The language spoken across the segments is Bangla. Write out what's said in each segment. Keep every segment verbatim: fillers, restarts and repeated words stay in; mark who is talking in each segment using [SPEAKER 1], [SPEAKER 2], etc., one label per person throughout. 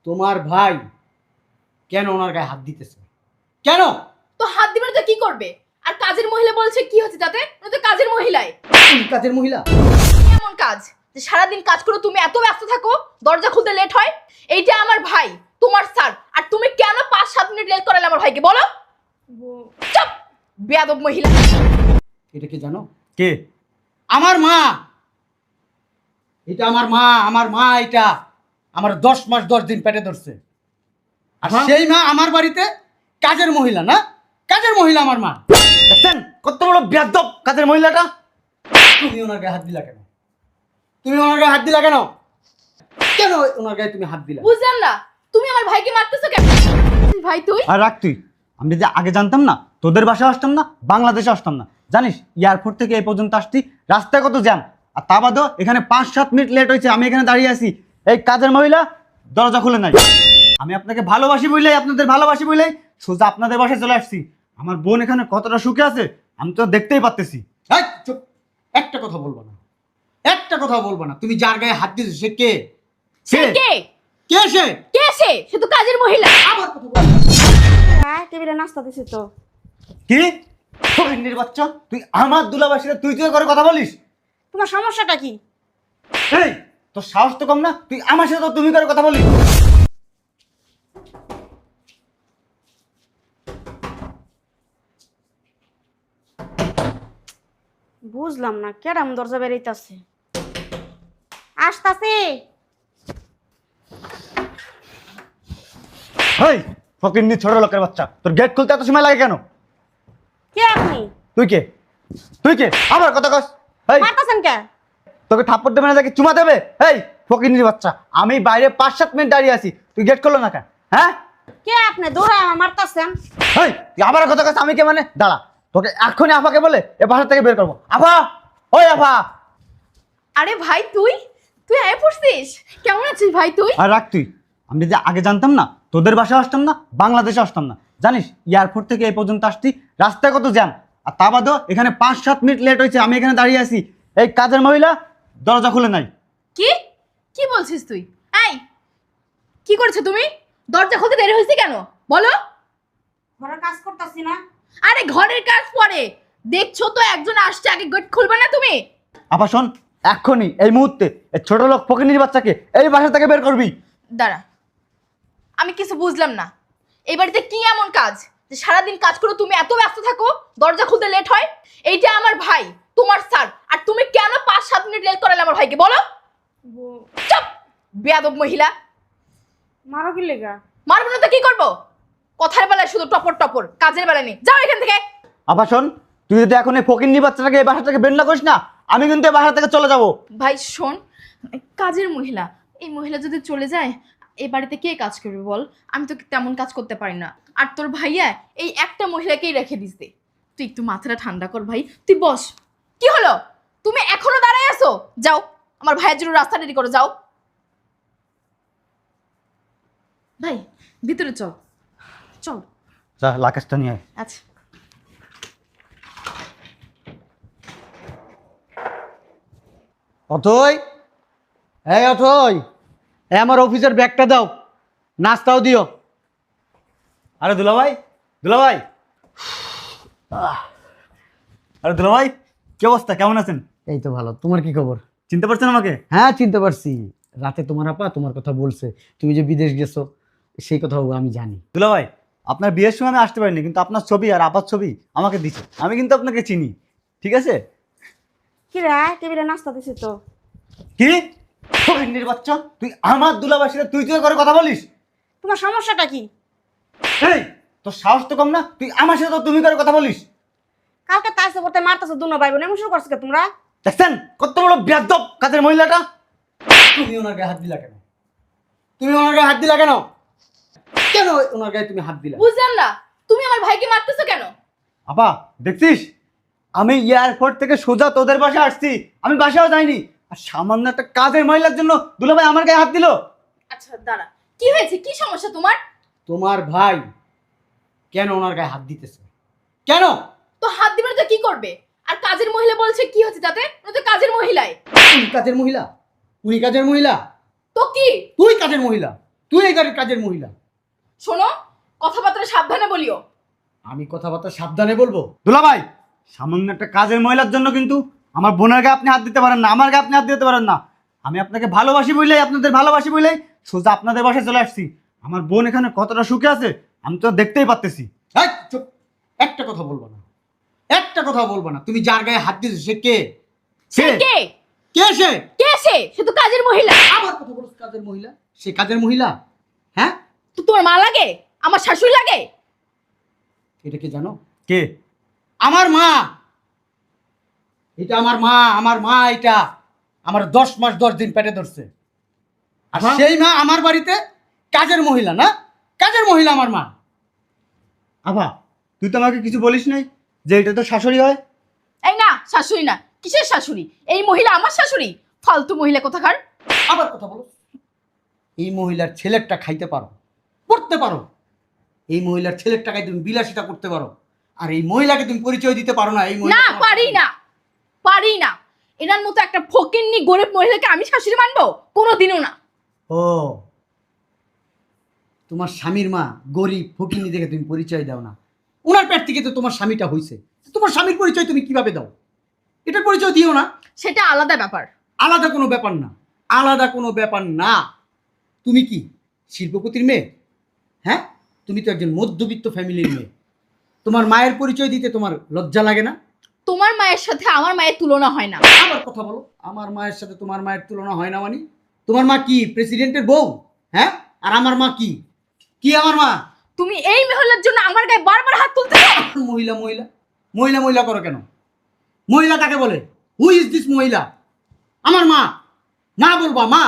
[SPEAKER 1] তোমার ভাই কেন ওনার গায়ে হাত দিতেছে? কেন?
[SPEAKER 2] তো হাত দিবে না তো কি করবে? আর কাজের মহিলা বলছে কি হচ্ছে তাতে? ও তো কাজের মহিলাই।
[SPEAKER 1] তুমি কাজের মহিলা?
[SPEAKER 2] এমন কাজ যে সারাদিন কাজ করে তুমি এত ব্যস্ত থাকো, দরজা খুলতে লেট হয়। এইটা আমার ভাই, তোমার স্যার, আর তুমি কেন পাঁচ সাত মিনিট লেট করালে আমার ভাইকে? বলো। চুপ, বেয়াদব মহিলা।
[SPEAKER 1] এটা কি জানো?
[SPEAKER 3] কে?
[SPEAKER 1] আমার মা। এটা আমার মা, আমার মা এটা আমার দশ মাস দশ দিন পেটে ধরছে। আর
[SPEAKER 3] হ্যাঁ?
[SPEAKER 1] সেই মা আমার বাড়িতে কাজের মহিলা না? কাজের মহিলা আমার মা।
[SPEAKER 3] দেখছেন কত বড় বেয়াদব কাজের মহিলাটা?
[SPEAKER 1] তুমি ওনার গায়ে হাত দিলা কেন? তুমি ওনার গায়ে হাত দিলা কেন? কেন ওনার গায়ে তুমি হাত দিলা?
[SPEAKER 2] বুঝলাম না, তুমি আমার ভাইকে মারতেছো কেন? ভাই তুই
[SPEAKER 3] আর রাখ তুই। আমি যদি আগে জানতাম না তোদের বাসায় আসতাম না, বাংলাদেশে আসতাম না। জানিস এয়ারপোর্ট থেকে এই পর্যন্ত আসছি, রাস্তায় কত জ্যাম। আর তা বাদেও এখানে পাঁচ সাত মিনিট লেট হয়েছে, আমি এখানে দাঁড়িয়ে আছি। এই কাজের মহিলা দরজা খুলে নাই। আমি আপনাকে ভালোবাসি বললেই, আপনাদের ভালোবাসি বললেই সোজা আপনাদের বাসায় চলে আসছি। আমার বোন এখানে কতটা সুখে আছে আমি তো দেখতেই পারতেছি।
[SPEAKER 1] এই চুপ, একটা কথা বলবো না, একটা কথা বলবো না। তুমি যার গায়ে হাত দিয়েছো সে কে?
[SPEAKER 2] সে কে?
[SPEAKER 1] কে সে?
[SPEAKER 2] কে সে? সে তো কাজের মহিলা।
[SPEAKER 1] আবার কথা বলবো?
[SPEAKER 4] হ্যাঁ, টেবিলে নাস্তা দিছি তো।
[SPEAKER 3] কি ফকিন্নির বাচ্চা, তুই আমার দুলাবাসীরা তুই তুই করে কথা বলিস?
[SPEAKER 4] তোমার সমস্যাটা কি?
[SPEAKER 3] এই তোর সাহস তো কম না, তুই আমার সাথে তো তুমি করে কথা বলিস?
[SPEAKER 4] বুঝলাম না কেরাম দরজা বেরিয়েছে। আসতাছে।
[SPEAKER 3] হেই ফকিন্নি ছোট লোকের বাচ্চা, তোর গেট খুলতে এত সময় লাগে কেন?
[SPEAKER 4] কে আপনি?
[SPEAKER 3] তুই কে? তুই কে? আবার কথা কস। এই
[SPEAKER 4] মারতাছেন কে?
[SPEAKER 3] তোকে থাপ্পড় দেবে না, তাকে চুমা দেবে? এই ফকিন্নির বাচ্চা, আমি বাইরে পাঁচ সাত মিনিট দাঁড়িয়ে আছি, তুই গেট খুললো না কেন? হ্যাঁ
[SPEAKER 4] কে আপনি? দৌড়ায় আমার মারতাছেন।
[SPEAKER 3] এই তুই আবার কথা কস। আমি কে মানে? দাঁড়া, তোকে এখনই আফাকে বলে এ বাসা থেকে বের করবো। আফা, ওই আফা।
[SPEAKER 2] আরে ভাই তুই তুই আয় পড়ছিস? কেমন আছিস ভাই তুই?
[SPEAKER 3] আর রাখ তুই। আমি যদি আগে জানতাম না তোদের বাসায় আসতাম না, বাংলাদেশে আসতাম না। জানিস এয়ারপোর্ট থেকে এই পর্যন্ত আসছি, রাস্তায় কত জ্যাম। আর তা বাদেও এখানে পাঁচ সাত মিনিট লেট হয়েছে, আমি এখানে দাঁড়িয়ে আছি। এই কাজের মহিলা দরজা খুলে নাই।
[SPEAKER 2] কি কি বলছিস তুই? এই কি করছো তুমি? দরজা খুলতে দেরি হয়েছে কেন বলো?
[SPEAKER 4] ঘরে কাজ করতাছি না।
[SPEAKER 2] আরে ঘরের কাজ পরে, দেখছো তো একজন আসছে, আগে গেট খুলবে না তুমি?
[SPEAKER 3] আপা শোন, এক্ষুনি এই মুহূর্তে এই ছোট লোক ফকিনির বাচ্চাকে এই বাসা থেকে বের করবি।
[SPEAKER 2] দাঁড়া, আমি কিছু বুঝলাম না। এই বাড়িতে কি এমন কাজ যে সারাদিন কাজ করে তুমি এত ব্যস্ত থাকো, দরজা খুলতে লেট হয়? এইটা আমার ভাই, তোমার স্যার, আর তুমি কেন পাঁচ সাত মিনিট লেট করালে আমার ভাইকে? বলো। চুপ, বেয়াদব মহিলা।
[SPEAKER 4] মারো কি লেগা?
[SPEAKER 2] মারবো না তো কি করবো? কথার বেলায় শুধু টপর টপর, কাজের বেলায় নেই। যাও এখান থেকে।
[SPEAKER 3] আপা শোন, তুই যদি এখন এই ফকিন্নি বাচ্চাটাকে এই বাসা থেকে বের না করিস না, আমি কিন্তু এই বাসা থেকে চলে যাবো।
[SPEAKER 2] ভাই শোন, কাজের মহিলা, এই মহিলা যদি চলে যায় এই বাড়িতে কে কাজ করবে বল? আমি তো তেমন কাজ করতে পারি না। আর তোর ভাইয়া এই একটা মহিলাকেই রেখে দিছে। তুই একটু মাথাটা ঠান্ডা কর ভাই, তুই বস। কি হলো? তুমি এখনো দাঁড়ায় আছো? যাও, আমার ভাইয়ের জন্য রাস্তা রেডি করো, যাও। ভাই ভিতরে চল, চল।
[SPEAKER 3] যা লাকেশটা নিয়ে আয়।
[SPEAKER 2] আচ্ছা।
[SPEAKER 1] অথই, এই অথই, এই আমার অফিসের ব্যাগটা দাও, নাস্তাও দিও।
[SPEAKER 3] আরে দুলাভাই, দুলাভাই, আরে দুলাভাই, কি অবস্থা, কেমন আছেন?
[SPEAKER 1] এই তো ভালো, তোমার কি খবর?
[SPEAKER 3] চিনতে পারছেন আমাকে?
[SPEAKER 1] হ্যাঁ চিনতে পারছি। রাতে তোমার আপা তোমার কথা বলছে, তুমি যে বিদেশ গেছো সেই কথাও আমি জানি।
[SPEAKER 3] দুলাভাই, আপনার বিয়ের সময় আমি আসতে পারিনি, কিন্তু আপনার ছবি আর আপার ছবি আমাকে দিছে, আমি কিন্তু আপনাকে চিনি। ঠিক আছে?
[SPEAKER 4] কি রে? টেবিলে নাস্তা দিছি তো।
[SPEAKER 3] কি ফকিন্নির বাচ্চা, তুই আমার দুলাবাসীরা তুই তুই করে কথা বলিস?
[SPEAKER 4] তোমার সমস্যাটা কি?
[SPEAKER 3] এই তোর সাহস তো কম না, তুই আমার সাথে তো তুমি করে কথা বলিস?
[SPEAKER 4] কালকে তাইছে করতে মারতাছো দুনো ভাই বোন, এমন শুরু করছো কে তোমরা?
[SPEAKER 3] দেখছেন কত বড় বেয়াদব কাজের মহিলাটা?
[SPEAKER 1] তুমি ওনার গায়ে হাত দিলা কেন? তুমি ওনার গায়ে হাত দিলা কেন? কেন ওনার গায়ে তুমি হাত দিলা?
[SPEAKER 2] বুঝলাম না, তুমি আমার ভাইকে মারতেছো কেন?
[SPEAKER 3] আপা দেখছিস, আমি এয়ারপোর্ট থেকে সোজা তোদের বাসায় আসছি, আমি বাসাও যাইনি, আর সামান্য একটা কাজের মহিলার জন্য দুলাভাই আমার গায়ে হাত দিল।
[SPEAKER 2] আচ্ছা দাঁড়া, কি হয়েছে? কি সমস্যা তোমার?
[SPEAKER 1] তোমার ভাই কেন ওনার গায়ে হাত দিতেছে? কেন?
[SPEAKER 2] তো হাত দিবে না তো কি করবে? আর কাজের মহিলা বলছে কি হচ্ছে তাতে? ও তো কাজের মহিলাই।
[SPEAKER 1] উনি কাজের মহিলা? উনি কাজের মহিলা?
[SPEAKER 2] তো কি?
[SPEAKER 1] তুই কাজের মহিলা? তুই এই গাড়ির কাজের মহিলা।
[SPEAKER 2] শোনো, কথাবার্তা সাবধানে বলিও।
[SPEAKER 1] আমি কথাবার্তা সাবধানে বলবো।
[SPEAKER 3] দুলাভাই, সামান্য একটা কাজের মহিলার জন্য কিন্তু আমার বোনের গায়ে আপনি হাত দিতে পারেন না, আমার গায়ে আপনি হাত দিতে পারেন না। আমি আপনাকে ভালোবাসি বলেই, আপনাদের ভালোবাসি বলেই সোজা আপনাদের বাসায় চলে আসছি। আমার বোন এখানে কতটা সুখে আছে আমি তো দেখতেই পারতেছি।
[SPEAKER 1] এই, চুপ। একটা কথা বলবো না, একটা কথা বলবো না। তুমি যার গায়ে হাত দিয়েছো সে কে?
[SPEAKER 2] সে কে?
[SPEAKER 1] কে সে?
[SPEAKER 2] কে সে? সে তো কাজের মহিলা।
[SPEAKER 1] আমার কথা বলছো কাজের মহিলা? সে কাজের মহিলা? হ্যাঁ,
[SPEAKER 2] তো তোমার মা লাগে? আমার শাশুড়ি লাগে?
[SPEAKER 1] এটা কি জানো?
[SPEAKER 3] কে?
[SPEAKER 1] আমার মা। এটা আমার মা, আমার মা এটা আমার দশ মাস দশ দিন পেটে ধরছে। আর
[SPEAKER 3] হ্যাঁ?
[SPEAKER 1] সেই মা আমার বাড়িতে কাজের মহিলা না? কাজের মহিলা আমার মা।
[SPEAKER 3] আভা, তুই তো আমাকে কিছু বলিস নাই যে এটা তো শাশুড়ি হয়?
[SPEAKER 2] এই না, শাশুড়ি না। কিসের শাশুড়ি? এই মহিলা আমার শাশুড়ি? ফালতু মহিলা কোথাকার।
[SPEAKER 1] আবার কথা বলো। এই মহিলার ছেলেরটা খাইতে পারো, পড়তে পারো। এই মহিলার ছেলের টাকায় তুমি বিলাসিতা করতে পারো, আর এই মহিলাকে তুমি পরিচয় দিতে পারো না। এই মহিলা
[SPEAKER 2] না,
[SPEAKER 1] তোমার
[SPEAKER 2] পারি
[SPEAKER 1] শাশুড়ি।
[SPEAKER 2] না, পারি না। এনার মতো একটা ফকিন্নি গরিব মহিলাকে আমি শাশুড়ি মানবো? কোনোদিনও না।
[SPEAKER 1] ও, তোমার স্বামীর মা গরিব ফকিন্নি দেখে তুমি পরিচয় দাও না। ওনার পেট থেকে তো তোমার স্বামীটা হইছে, তোমার স্বামীর পরিচয় তুমি কিভাবে দাও? এটার পরিচয় দিও না।
[SPEAKER 2] সেটা আলাদা ব্যাপার।
[SPEAKER 1] আলাদা কোনো ব্যাপার না, আলাদা কোনো ব্যাপার না। তুমি কি শিল্পপতির মেয়ে? হ্যাঁ, তুমি তো একজন মধ্যবিত্ত ফ্যামিলির মেয়ে। তোমার মায়ের পরিচয় দিতে তোমার লজ্জা লাগে না?
[SPEAKER 2] তোমার মায়ের সাথে আমার মায়ের তুলনা হয় না।
[SPEAKER 1] আবার কথা বলো। আমার মায়ের সাথে তোমার মায়ের তুলনা হয় না মানে? তোমার মা কি প্রেসিডেন্টের বউ? হ্যাঁ, আর আমার মা কি? কি আমার মা?
[SPEAKER 2] তুমি এই মহিলার জন্য আমার গায়ে বারবার হাত তুলতে।
[SPEAKER 1] মহিলা মহিলা মহিলা মহিলা করো কেন? মহিলা কাকে বলে? হু ইজ দিস মহিলা? আমার মা। মা বলবা মা?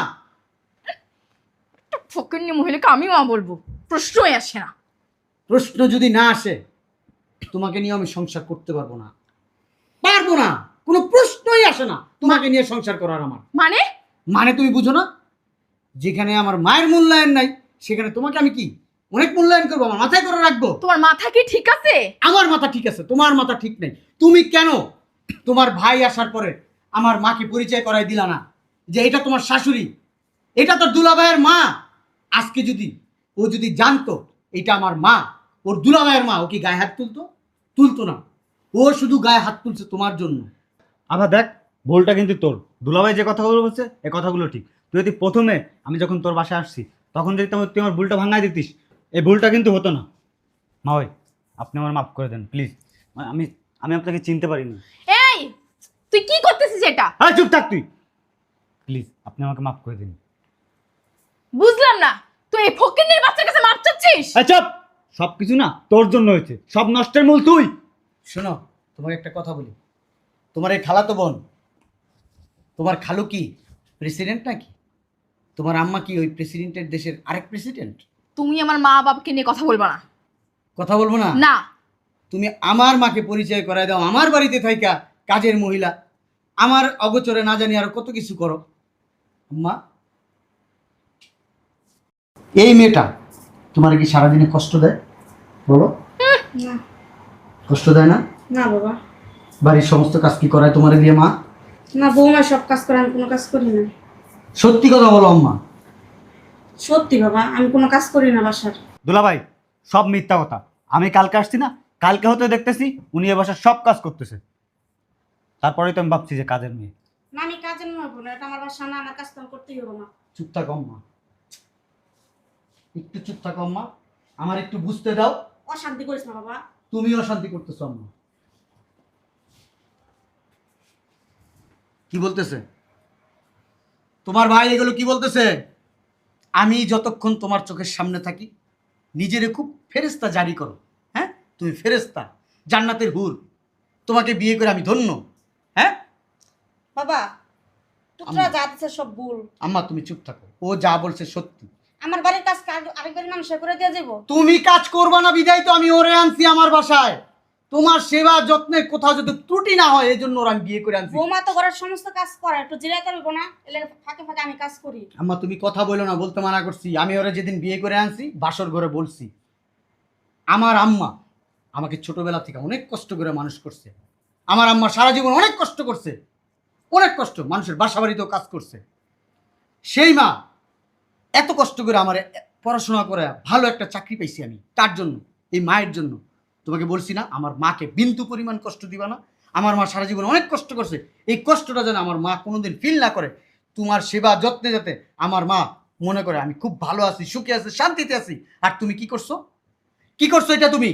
[SPEAKER 2] ফকিন্নি মহিলাকে আমি মা বলবো? প্রশ্নই আসে না।
[SPEAKER 1] প্রশ্ন যদি না আসে, তোমাকে নিয়ে আমি সংসার করতে পারবো না, পারবো না। কোনো প্রশ্নই আসে না তোমাকে নিয়ে সংসার করার আমার।
[SPEAKER 2] মানে?
[SPEAKER 1] মানে তুমি বুঝো না? যেখানে আমার মায়ের মূল্যায়ন নাই সেখানে তোমাকে আমি কি অনেক মূল্যায়ন করবো? আমার মাথায় করে রাখবো?
[SPEAKER 2] তোমার মাথা কি ঠিক আছে?
[SPEAKER 1] আমার মাথা ঠিক আছে, তোমার মাথা ঠিক নেই। তুমি কেন তোমার ভাই আসার পরে আমার মাকে পরিচয় করাই দিলা না যে এটা তোমার শাশুড়ি, এটা তো দুলাভাইয়ের মা? আজকে যদি ও যদি জানতো এটা আমার মা, ওর দুলাভাইয়ের মা, ও কি গায়ে হাত তুলতো? তুলতো না। ও শুধু গায়ে হাত তুলছে তোমার জন্য।
[SPEAKER 3] আভা দেখ, ভুলটা কিন্তু তোর। দুলাভাই যে কথাগুলো বলছে এই কথাগুলো ঠিক। তুই যদি প্রথমে আমি যখন তোর বাসায় আসছি তখন যদি তোমার তুই আমার ভুলটা ভাঙাই দিতিস, এই ভুলটা কিন্তু হতো না। মা ওই, আপনি আমার মাফ করে দেন প্লিজ। আমি আমি আপনাকে চিনতে পারিনি।
[SPEAKER 2] এই, তুই কি করতেছিস এটা?
[SPEAKER 3] হ্যাঁ, চুপ থাক তুই প্লিজ। আপনি আমাকে মাফ করে দিন।
[SPEAKER 2] বুঝলাম না, তুই এই ফকিন্নির বাচ্চার কাছে মাপ চাচ্ছিস?
[SPEAKER 3] আচ্ছা, সব কিছু না তোর জন্য হয়েছে, সব নষ্টের মূল তুই।
[SPEAKER 1] শোনো, তোমাকে একটা কথা বলি। তোমার এই খালাতো বোন, তোমার খালু কি প্রেসিডেন্ট নাকি? তোমার আম্মা কি ওই প্রেসিডেন্টের দেশের আরেক প্রেসিডেন্ট?
[SPEAKER 2] তুমি আমার মা বাবাকে নিয়ে কথা বলবা না।
[SPEAKER 1] কথা বলবো না?
[SPEAKER 2] না।
[SPEAKER 1] তুমি আমার মাকে পরিচয় করায় দাও আমার বাড়িতে থাইকা কাজের মহিলা, আমার অগোচরে না জানি আরো কত কিছু করো। আম্মা, এই মেয়েটা তোমার কি সারাদিনে কষ্ট দেয়? বলো,
[SPEAKER 4] না
[SPEAKER 1] কষ্ট দেয় না?
[SPEAKER 4] না বাবা,
[SPEAKER 1] বাড়ির সমস্ত কাজ কি করায় তোমারে দিয়ে মা?
[SPEAKER 4] না বৌমা সব কাজ করে, আমি কোনো কাজ করি না।
[SPEAKER 1] সত্যি কথা বলো আম্মা।
[SPEAKER 4] সত্যি বাবা, আমি কোনো কাজ করি না বাসার।
[SPEAKER 3] দুলাভাই, সব মিথ্যা কথা। আমি কালকে আসছি না, কালকে হতে দেখতেছি উনি এ বাসার সব কাজ করতেছে। তারপরেই তো আমি ভাবছি যে কাজের মেয়ে।
[SPEAKER 4] না আমি কাজের নয় বোন, এটা আমার বাসা না, আমার কাজ তো আমি করতেই হবে না।
[SPEAKER 1] চুপ থাকো আম্মা, একটু চুপ থাকো আম্মা, আমার একটু বুঝতে দাও।
[SPEAKER 4] অশান্তি করিস না বাবা।
[SPEAKER 1] তুমি অশান্তি করতেছো আম্মা। কি বলতেছে তোমার ভাই? এগুলো কি বলতেছে? আমি যতক্ষণ তোমার চোখের সামনে থাকি নিজেরে খুব ফেরেস্তা জারি করো। হ্যাঁ, তুমি ফেরেস্তা, জান্নাতের হুর। তোমাকে বিয়ে করে আমি ধন্য। হ্যাঁ
[SPEAKER 4] বাবা, তোরা যা দিচ্ছে সব ভুল।
[SPEAKER 1] আম্মা তুমি চুপ থাকো, ও যা বলছে সত্যি।
[SPEAKER 4] আমার বাড়ির কাজ কাজ- আরেক বাড়ির মানুষ করে দিয়ে যাবো।
[SPEAKER 1] তুমি কাজ করবা না বিদায় তো আমি ওরে আনছি আমার বাসায়। তোমার সেবা যত্নে কোথাও যদি ত্রুটি না হয় এই জন্য ওর আমি বিয়ে করে আনছি।
[SPEAKER 4] বৌমা তো ঘরের সমস্ত কাজ করে, একটু জিরাই করবো না? এলে ফাঁকে ফাঁকে আমি কাজ করি।
[SPEAKER 1] আম্মা তুমি কথা বলো না, বলতে মানা করছি। আমি ওরা যেদিন বিয়ে করে আনছি বাসর ঘরে বলছি, আমার আম্মা আমাকে ছোটবেলা থেকে অনেক কষ্ট করে মানুষ করছে। আমার আম্মা সারা জীবন অনেক কষ্ট করছে, অনেক কষ্ট, মানুষের বাসা বাড়িতেও কাজ করছে। সেই মা এত কষ্ট করে আমার পড়াশোনা করে ভালো একটা চাকরি পাইছি আমি, তার জন্য, এই মায়ের জন্য। তোমাকে বলছি না আমার মাকে বিন্দু পরিমাণ কষ্ট দিবা না। আমার মা সারা জীবন অনেক কষ্ট করছে, এই কষ্টটা যেন আমার মা কোনোদিন ফিল না করে। তোমার সেবা যত্নে যাতে আমার মা মনে করে আমি খুব ভালো আছি, সুখে আছি, শান্তিতে আছি। আর তুমি কি করছো, কি করছো এটা তুমি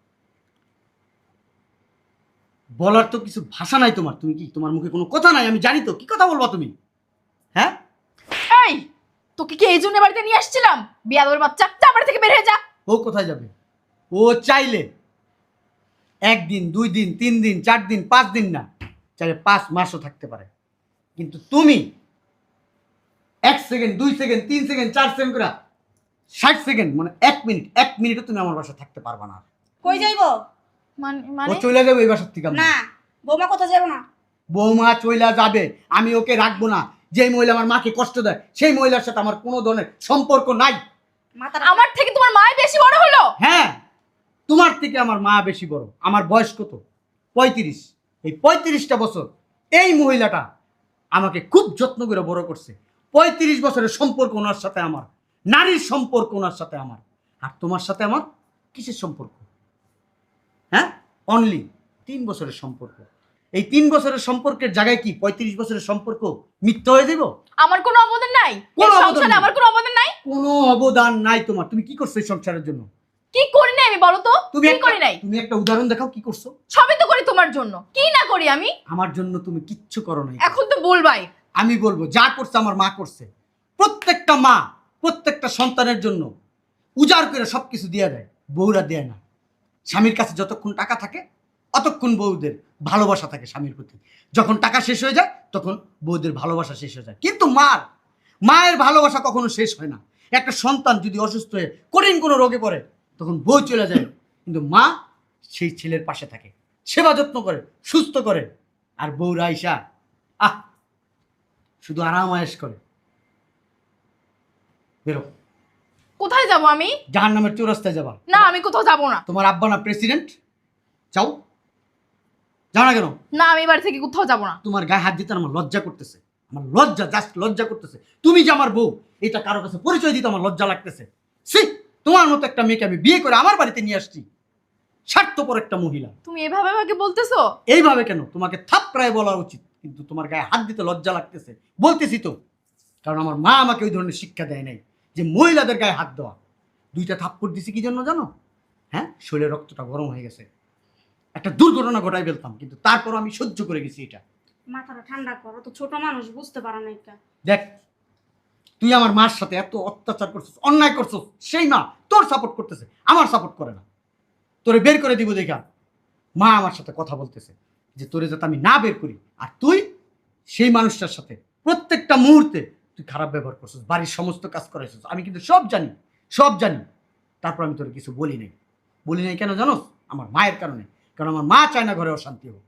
[SPEAKER 1] বলার তো কিছু ভাষা নাই তোমার। তুমি কি, তোমার মুখে কোনো কথা নাই? আমি জানি তো কি কথা বলবা তুমি। হ্যাঁ
[SPEAKER 2] এই তোকে কি এই জন্য বাড়িতে নিয়ে আসছিলাম? বিয়াদবের বাচ্চা, যা বাড়ি থেকে বের হয়ে যা।
[SPEAKER 1] ও কোথায় যাবে? ও চাইলে একদিন, দুই দিন, তিন দিন, চার দিন, পাঁচ দিন না, চাইলে পাঁচ মাসও থাকতে পারে। কিন্তু তুমি এক সেকেন্ড, দুই সেকেন্ড, তিন সেকেন্ড, চার সেকেন্ড করে ষাট সেকেন্ড, মানে এক মিনিট, এক মিনিটও তুমি আমার বাসায় থাকতে পারবা না।
[SPEAKER 4] কই যাইবো?
[SPEAKER 2] মানে
[SPEAKER 1] ও
[SPEAKER 2] মানে
[SPEAKER 1] চলে যাবে এই বাসার থেকে।
[SPEAKER 4] না, বৌমা কোথাও যাবো না।
[SPEAKER 1] বৌমা চইলা যাবে, আমি ওকে রাখবো না। যেই মহিলা আমার মাকে কষ্ট দেয় সেই মহিলার সাথে আমার কোনো ধরনের সম্পর্ক নাই।
[SPEAKER 4] মাথার
[SPEAKER 2] আমার থেকে তোমার মা বেশি বড় হলো?
[SPEAKER 1] হ্যাঁ, তোমার থেকে আমার মা বেশি বড়। আমার বয়স কত? পঁয়ত্রিশ। এই পঁয়ত্রিশটা বছর এই মহিলাটা আমাকে খুব যত্ন করে বড় করছে। পঁয়ত্রিশ বছরের সম্পর্ক ওনার সাথে আমার, নারীর সম্পর্ক ওনার সাথে আমার। আর তোমার সাথে আমার কিসের সম্পর্ক? হ্যাঁ, অনলি তিন বছরের সম্পর্ক। এই তিন বছরের সম্পর্কের জায়গায় কি পঁয়ত্রিশ বছরের সম্পর্ক মিথ্যা হয়ে যাব?
[SPEAKER 2] আমার কোনো অবদান নাই
[SPEAKER 1] কোনো
[SPEAKER 2] এই
[SPEAKER 1] অবদান
[SPEAKER 2] সংসারে,
[SPEAKER 1] নেই।
[SPEAKER 2] আমার কোনো অবদান নাই।
[SPEAKER 1] কোনো অবদান নাই তোমার। তুমি কি করছো এই সংসারের জন্য?
[SPEAKER 2] কি করি নাই আমি বলো তো?
[SPEAKER 1] তুমি
[SPEAKER 2] কি
[SPEAKER 1] একটা-
[SPEAKER 2] করি নাই?
[SPEAKER 1] তুমি একটা উদাহরণ দেখাও কি করছো।
[SPEAKER 2] সবই তো করি তোমার জন্য, কি না করি আমি?
[SPEAKER 1] আমার জন্য তুমি কিচ্ছু করো নাই।
[SPEAKER 2] এখন তো বলবাই।
[SPEAKER 1] আমি বলবো যা করছে আমার মা করছে। প্রত্যেকটা মা প্রত্যেকটা সন্তানের জন্য উজাড় করে সবকিছু দিয়ে দেয়, বউরা দেয় না। স্বামীর কাছে যতক্ষণ টাকা থাকে অতক্ষণ বউদের ভালোবাসা থাকে স্বামীর প্রতি। যখন টাকা শেষ হয়ে যায় তখন বউদের ভালোবাসা শেষ হয়ে যায়। কিন্তু মার মায়ের ভালোবাসা কখনো শেষ হয় না। একটা সন্তান যদি অসুস্থ হয়ে কঠিন কোনো রোগে পড়ে তখন বউ চলে যায়, কিন্তু মা সেই ছেলের পাশে থাকে, সেবা যত্ন করে, সুস্থ করে। আর বউরা আইসা আহ শুধু আরাম আয়েশ করে। বেরো,
[SPEAKER 2] কোথায় যাব আমি?
[SPEAKER 1] জাহান নামের চৌরাস্তায় যাবা।
[SPEAKER 2] না, আমি কোথাও যাব না।
[SPEAKER 1] তোমার আব্বা না প্রেসিডেন্ট? যাও, যাও না কেন?
[SPEAKER 2] না, আমি বাড়ি থেকে কোথাও যাব না।
[SPEAKER 1] তোমার গায়ে হাত দিতে আমার লজ্জা করতেছে, আমার লজ্জা, জাস্ট লজ্জা করতেছে। তুমি যে আমার বউ এটা কারো কাছে পরিচয় দিতে আমার লজ্জা লাগতেছে। সি, তোমার মতো একটা মেয়েকে আমি বিয়ে করে আমার বাড়িতে নিয়ে আসছি, স্বার্থপর একটা মহিলা।
[SPEAKER 2] তুমি এভাবে আমাকে বলতেছো?
[SPEAKER 1] এইভাবে কেন? তোমাকে থাপড়ায় বলা উচিত, কিন্তু তোমার গায়ে হাত দিতে লজ্জা লাগতেছে। বলতেছি তো, কারণ আমার মা আমাকে ওই ধরনের শিক্ষা দেয় নাই যে মহিলাদের গায়ে হাত দেওয়া। দুইটা থাপ্পড় দিছি কি জন্য জানো? হ্যাঁ, শরীরের রক্তটা গরম হয়ে গেছে, একটা দুর্ঘটনা ঘটাই ফেলতাম, কিন্তু তারপর আমি সহ্য করে গেছি এটা।
[SPEAKER 4] মাথাটা ঠান্ডা করো, তো ছোট মানুষ বুঝতে পারে না এটা।
[SPEAKER 1] দেখ, তুই আমার মার সাথে এত অত্যাচার করছিস, অন্যায় করছিস, সেই মা তোর সাপোর্ট করতেছে, আমার সাপোর্ট করে না। তোরে বের করে দিব দেখা মা আমার সাথে কথা বলতেছে যে তোরে যাতে আমি না বের করি। আর তুই সেই মানুষটার সাথে প্রত্যেকটা মুহূর্তে তুই খারাপ ব্যবহার করছিস, বাড়ির সমস্ত কাজ করাইছিস। আমি কিন্তু সব জানি, সব জানি। তারপর আমি তোরে কিছু বলি নাই। বলি নাই কেন জানোস? আমার মায়ের কারণে। কারণ আমার মা চায় না ঘরে অশান্তি হোক।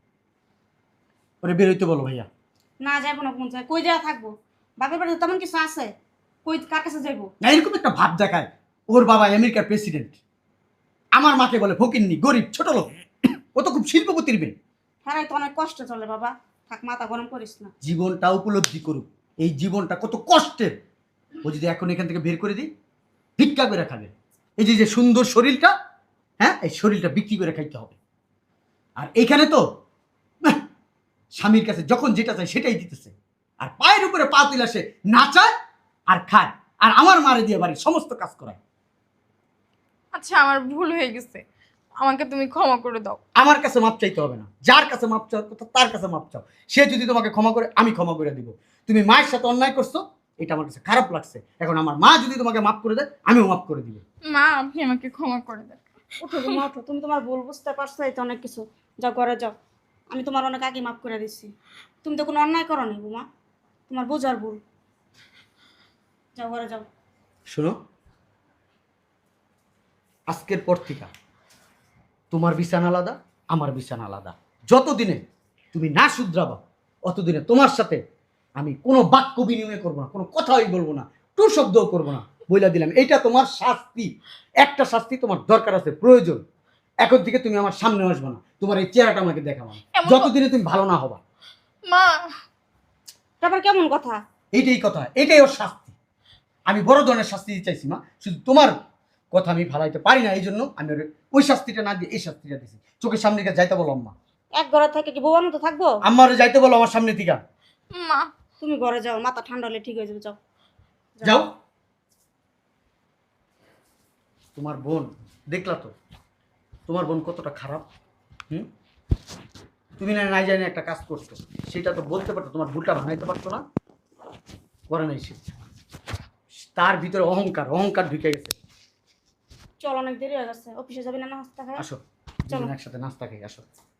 [SPEAKER 1] ওরে বেরোইতে বলো ভাইয়া।
[SPEAKER 4] না যাবো না, কোন জায়গায় কই যাওয়া থাকবো? বাপের বাড়িতে তেমন কিছু আছে, কই কার কাছে যাইবো?
[SPEAKER 1] না, এরকম একটা ভাব দেখায় ওর বাবা আমেরিকার প্রেসিডেন্ট, আমার মাকে বলে ফকিন্নি, গরিব, ছোট লোক। ও তো খুব শিল্পপতির মেয়ে।
[SPEAKER 4] হ্যাঁ, তো অনেক কষ্ট চলে বাবা, থাক মাথা গরম করিস না।
[SPEAKER 1] জীবনটা উপলব্ধি করুক, এই জীবনটা কত কষ্টের। ও যদি এখন এখান থেকে বের করে দিই, ভিক্ষা করে খাবে। এই যে যে সুন্দর শরীরটা, হ্যাঁ, এই শরীরটা বিক্রি করে খাইতে হবে। আর এইখানে তো নাহ, স্বামীর কাছে যখন যেটা চায় সেটাই দিতেছে। আর পায়ের উপরে পা তুলে সে নাচায় আর খায়, আর আমার মারে দিয়ে বাড়ির সমস্ত কাজ করায়।
[SPEAKER 2] আচ্ছা, আমার ভুল হয়ে গেছে, আমাকে তুমি ক্ষমা করে দাও।
[SPEAKER 1] আমার কাছে মাপ চাইতে হবে না, যার কাছে মাপ চাও তার কাছে মাপ চাও। সে যদি তোমাকে ক্ষমা করে আমি ক্ষমা করে দিব। তুমি মায়ের সাথে অন্যায় করছো, এটা আমার কাছে খারাপ লাগছে। এখন আমার মা যদি তোমাকে মাফ করে দেয় আমিও মাফ করে দিব।
[SPEAKER 2] মা, আপনি আমাকে ক্ষমা করে দেন।
[SPEAKER 4] ওঠো তুমি, ওঠো। তুমি তোমার ভুল বুঝতে পারছো, এই তো অনেক কিছু। যাও ঘরে যাও, আমি তোমার অনেক আগে মাফ করে দিচ্ছি। তুমি তো কোনো অন্যায় করো নি বুমা, তোমার বোঝার ভুল। যাও ঘরে যাও।
[SPEAKER 1] শোনো, আজকের পর থেকে তোমার বিছানা আলাদা, আমার বিছানা আলাদা। যতদিনে তুমি না শুধরাবা অতদিনে তোমার সাথে আমি কোনো বাক্য বিনিময় করবো না, কোনো কথাই বলবো না, টু শব্দও করবো না। বইলা দিলাম, এইটা তোমার শাস্তি। একটা শাস্তি তোমার দরকার আছে, প্রয়োজন। এখন থেকে তুমি আমার সামনে আসবে না, তোমার এই চেহারাটা আমাকে দেখাবো না,
[SPEAKER 2] এমন-
[SPEAKER 1] যতদিনে তুমি ভালো না হবা।
[SPEAKER 2] মা,
[SPEAKER 4] তারপর কেমন কথা?
[SPEAKER 1] এইটাই কথা, এটাই ওর শাস্তি। আমি বড় ধরনের শাস্তি দিতে চাইছি মা, শুধু তোমার কথা আমি ভালাইতে পারি না, এই জন্য আমি ওরে ওই শাস্তিটা না দিয়ে এই শাস্তিটা দিছি। চোখের সামনে থেকে যাইতে বলো আম্মা,
[SPEAKER 4] এক ঘরে থেকে কি বউয়ার মতো থাকবো?
[SPEAKER 1] আম্মারে যাইতে বলো আমার সামনে থেকে।
[SPEAKER 2] মা
[SPEAKER 4] তুমি ঘরে যাও, মাথা ঠান্ডা হলে ঠিক হয়ে যাবে, যাও।
[SPEAKER 1] যাও। তোমার বোন দেখলা তো, তোমার বোন কতটা খারাপ। হুম, তুমি না নাই জানি একটা কাজ করছো, সেটা তো বলতে পারতো, তোমার ভুলটা ভাঙাইতে পারতো না, করে নাই সে। তার ভিতরে অহংকার অহংকার ঢুকে গেছে।
[SPEAKER 4] চল, অনেক দেরি হয়ে গেছে, অফিসে যাবি না নাস্তা খাই?
[SPEAKER 1] আসো
[SPEAKER 4] চলো।
[SPEAKER 1] দুজন একসাথে নাস্তা খাই, আসো।